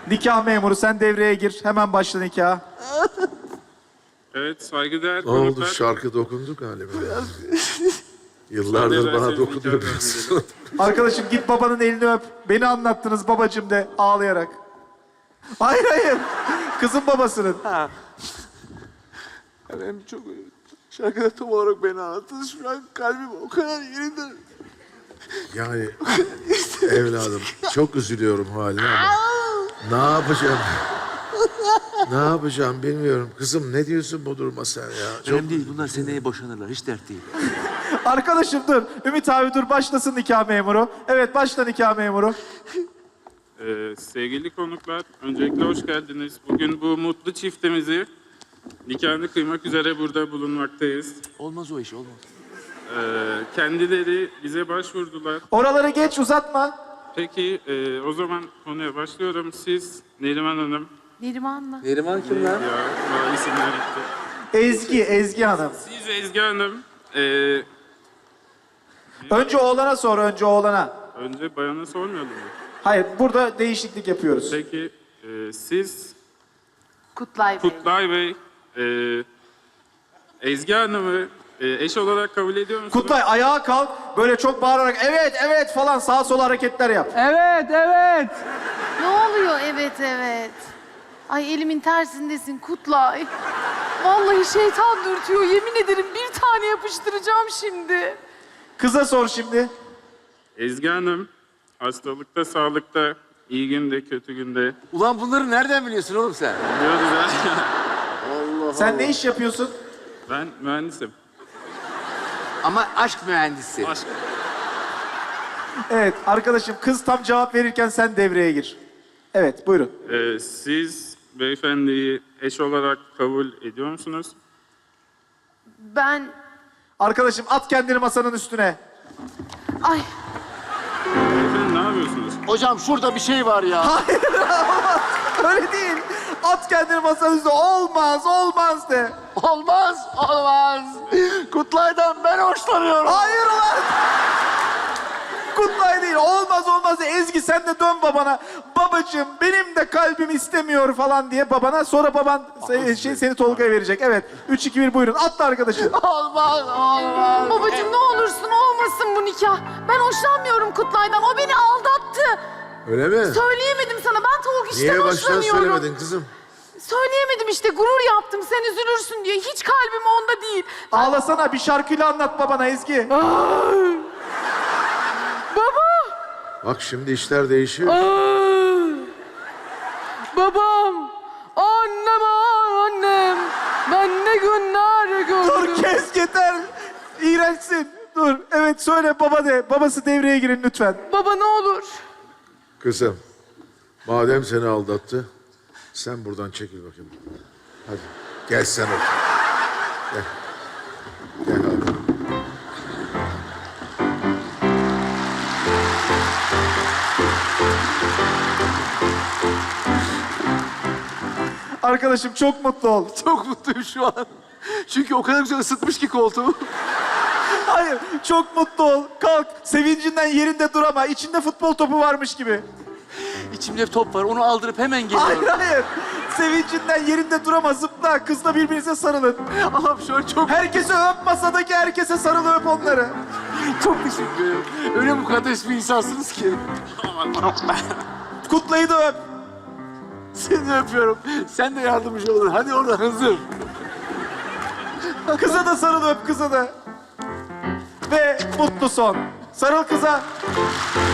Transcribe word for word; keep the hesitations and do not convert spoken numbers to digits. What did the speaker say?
Nikah memuru sen devreye gir. Hemen başla nikah. Evet, saygıdeğer Ne oldu? konuklar. Şarkı dokundu galiba. Yıllardır bana dokunuyor biraz. Arkadaşım git babanın elini öp. Beni anlattınız babacığım de ağlayarak. Hayır hayır. Kızın babasının. Ha. Ya benim çok şarkıda tam olarak beni anlattınız. Şu an kalbim o kadar yerinde. Yani evladım çok üzülüyorum haline ama ne yapacağım? Ne yapacağım bilmiyorum. Kızım ne diyorsun bu duruma sen ya? Çok... Önemli değil. Bunlar seneye boşanırlar. Hiç dert değil. Arkadaşım dur. Ümit abi dur başlasın nikah memuru. Evet başla nikah memuru. Ee, sevgili konuklar, öncelikle hoş geldiniz. Bugün bu mutlu çiftimizi nikahını kıymak üzere burada bulunmaktayız. Olmaz o iş, olmaz. Ee, kendileri bize başvurdular. Oraları geç uzatma. Peki, e, o zaman konuya başlıyorum. Siz, Neriman Hanım. Neriman'la. Neriman kim lan? Ya, daha isimler gitti. Ezgi, Ezgi Hanım. Siz Ezgi Hanım, e, Önce oğlana sor, önce oğlana. önce bayana sormayalım mı? Hayır, burada değişiklik yapıyoruz. Peki, e, siz Kutlay Bey. Kutlay Bey, e, Ezgi Hanım'ı e, eş olarak kabul ediyor musunuz? Kutlay ayağa kalk, böyle çok bağırarak evet, evet falan sağa sola hareketler yap. Evet, evet. Ne oluyor? Evet, evet. Ay elimin tersindesin Kutlay. Vallahi şeytan dürtüyor. Yemin ederim bir tane yapıştıracağım şimdi. Kıza sor şimdi. Ezgi Hanım, hastalıkta, sağlıkta, iyi günde, kötü günde. Ulan bunları nereden biliyorsun oğlum sen? Biliyoruz ya. Sen ne iş yapıyorsun? Ben mühendisim. Ama aşk mühendisi. Aşk. Evet arkadaşım kız tam cevap verirken sen devreye gir. Evet buyurun. Ee, siz beyefendiyi eş olarak kabul ediyor musunuz? Ben... Arkadaşım at kendini masanın üstüne. Ay Beyefendi ne yapıyorsunuz? Hocam şurada bir şey var ya. Hayır olmaz. Öyle değil. At kendini masanın üstüne. Olmaz, olmaz de. Olmaz, olmaz. Kutlay'dan ben hoşlanıyorum. Hayır ulan. Kutlay değil. Olmaz olmaz de. Ezgi sen de dön babana. Babacığım benim de kalbim istemiyor falan diye babana. Sonra baban se- şey, seni Tolga'ya verecek. Evet. Üç, iki, bir buyurun. Atla arkadaşım. Olmaz, olmaz. babacığım ne olursun olmasın bu nikah. Ben hoşlanmıyorum Kutlay'dan. O beni aldattı. Öyle mi? Söyleyemedim sana. Ben Tolga işten Niye baştan hoşlanıyorum. söylemedin kızım? Söyleyemedim işte. Gurur yaptım. Sen üzülürsün diye. Hiç kalbim onda değil. Ağlasana. Bir şarkıyla anlat babana Ezgi. Baba! Bak şimdi işler değişiyor. Babam, annem, annem. Ben ne günler gördüm. Dur kes yeter. İğrençsin. Dur. Evet söyle baba de. Babası devreye girin lütfen. Baba ne olur. Kızım, madem seni aldattı, sen buradan çekil bakayım. Hadi, gel sen otur. Gel. Gel abi. Arkadaşım çok mutlu ol. Çok mutluyum şu an. Çünkü o kadar güzel ısıtmış ki koltuğumu. Hayır, çok mutlu ol. Kalk, sevincinden yerinde dur ama içinde futbol topu varmış gibi. İçimde bir top var, onu aldırıp hemen Hayır, geliyorum. hayır. Sevincinden yerinde dur ama zıpla. Kızla birbirinize sarılın. Allah'ım şu an çok, Herkese öp, masadaki herkese sarıl öp onları. çok teşekkür ederim. Öyle mukaddes bir insansınız ki. Kutlayı da öp. Seni öpüyorum. Sen de yardımcı olun. Hadi orada hızır. Kıza da sarıl öp, kıza da. Ve mutlu son. Sarıl kıza.